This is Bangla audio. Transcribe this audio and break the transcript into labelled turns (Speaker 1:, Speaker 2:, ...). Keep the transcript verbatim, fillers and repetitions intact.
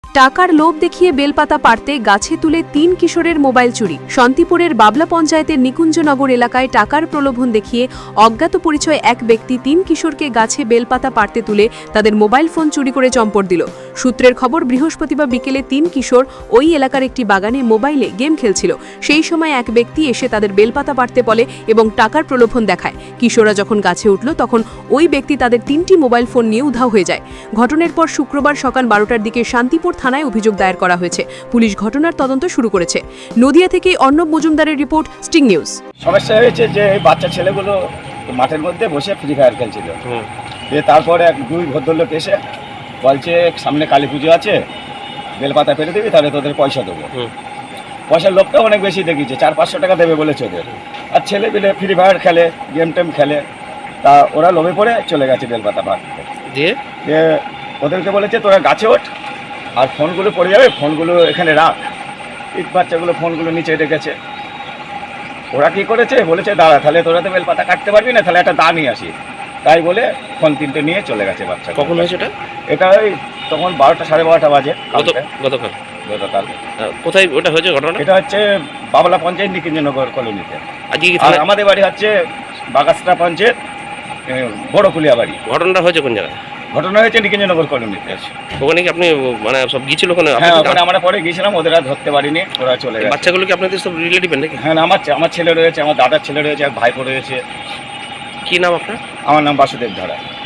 Speaker 1: টাকার লোভ দেখিয়ে বেলপাতা পাড়তে গাছে তুলে তিন কিশোরের মোবাইল চুরি। শান্তিপুরের বাবলা পঞ্চায়েতের নিকুঞ্জনগর এলাকায় টাকার প্রলোভন দেখিয়ে অজ্ঞাত পরিচয় এক ব্যক্তি তিন কিশোরকে গাছে বেলপাতা পাড়তে তুলে তাদের মোবাইল ফোন চুরি করে চম্পট দিল। সূত্রের খবর, বৃহস্পতিবার বিকেলে তিন কিশোর ওই এলাকার একটি বাগানে মোবাইলে গেম খেলছিল। সেই সময় এক ব্যক্তি এসে তাদের বেলপাতা পাড়তে বলে এবং টাকার প্রলোভন দেখায়। কিশোররা যখন গাছে উঠল তখন ওই ব্যক্তি তাদের তিনটি মোবাইল ফোন নিয়ে উধাও হয়ে যায়। ঘটনার পর শুক্রবার সকাল বারোটার দিকে শান্তিপুর থানায় অভিযোগ দায়ের করা হয়েছে। পুলিশ ঘটনার তদন্ত শুরু করেছে। নদিয়া থেকে অর্ণব মজুমদারের রিপোর্ট, স্টিং নিউজ।
Speaker 2: সমস্যা হয়েছে যে বাচ্চা ছেলেগুলো মাঠের মধ্যে বসে ফ্রি ফায়ার খেলছিল। দিয়ে তারপরে এক দুই ভদ্রলোক এসে বলছে সামনে কালী পুজো আছে, বেলপাতা ফেলে দিবি তাহলে তোদের পয়সা দেবো। পয়সার লোকটা অনেক বেশি দেখিয়েছে, চার পাঁচশো টাকা দেবে বলেছে ওদের। আর ছেলে পেলে ফ্রি ফায়ার খেলে, গেম টেম খেলে, তা ওরা লোভে পড়ে চলে গেছে বেলপাতা পাড়তে। দিয়ে দিয়ে ওদেরকে বলেছে তোরা গাছে ওঠ আর ফোনগুলো পড়ে যাবে, ফোনগুলো এখানে রাখ। ইট বাচ্চাগুলো ফোনগুলো নিচে রেখেছে। ওরা কী করেছে, বলেছে দাঁড়া তাহলে তোরা তো বেলপাতা কাটতে পারবি না, তাহলে একটা দা নিয়ে আসি। তাই বলে ফোন তিনটে নিয়ে চলে গেছে বাচ্চা।
Speaker 3: কখন হয়েছে এটা?
Speaker 2: এটা ওই তখন বারোটা সাড়ে বারোটা বাজে
Speaker 3: গতকাল।
Speaker 2: গতকাল
Speaker 3: কোথায় ওটা হয়েছে ঘটনা?
Speaker 2: এটা হচ্ছে বাবলা পঞ্চায়েত নিকুঞ্জনগর কলোনিতে।
Speaker 3: আজকে কি
Speaker 2: আর আমাদের বাড়ি হচ্ছে বাগাসরা পঞ্চায়েত বড়কুলিয়া বাড়ি।
Speaker 3: ঘটনাটা হয়েছে কোন জায়গায়?
Speaker 2: ঘটনা হয়েছে নিকুঞ্জনগর কলোনিতে।
Speaker 3: ওখানে কি আপনি মানে সব গিয়েছিল ওখানে?
Speaker 2: হ্যাঁ, ওখানে আমরা পরে গিয়েছিলাম, ওদের আর ধরতে পারিনি, ওরা চলে গেছে।
Speaker 3: বাচ্চাগুলো কি আপনাদের সব রিলেটিভ নাকি?
Speaker 2: হ্যাঁ, আমার আমার ছেলে রয়েছে, আমার দাদার ছেলে রয়েছে, এক ভাইপো রয়েছে।
Speaker 3: কি নাম আপনার?
Speaker 2: আমার নাম বাসুদেব ধারা।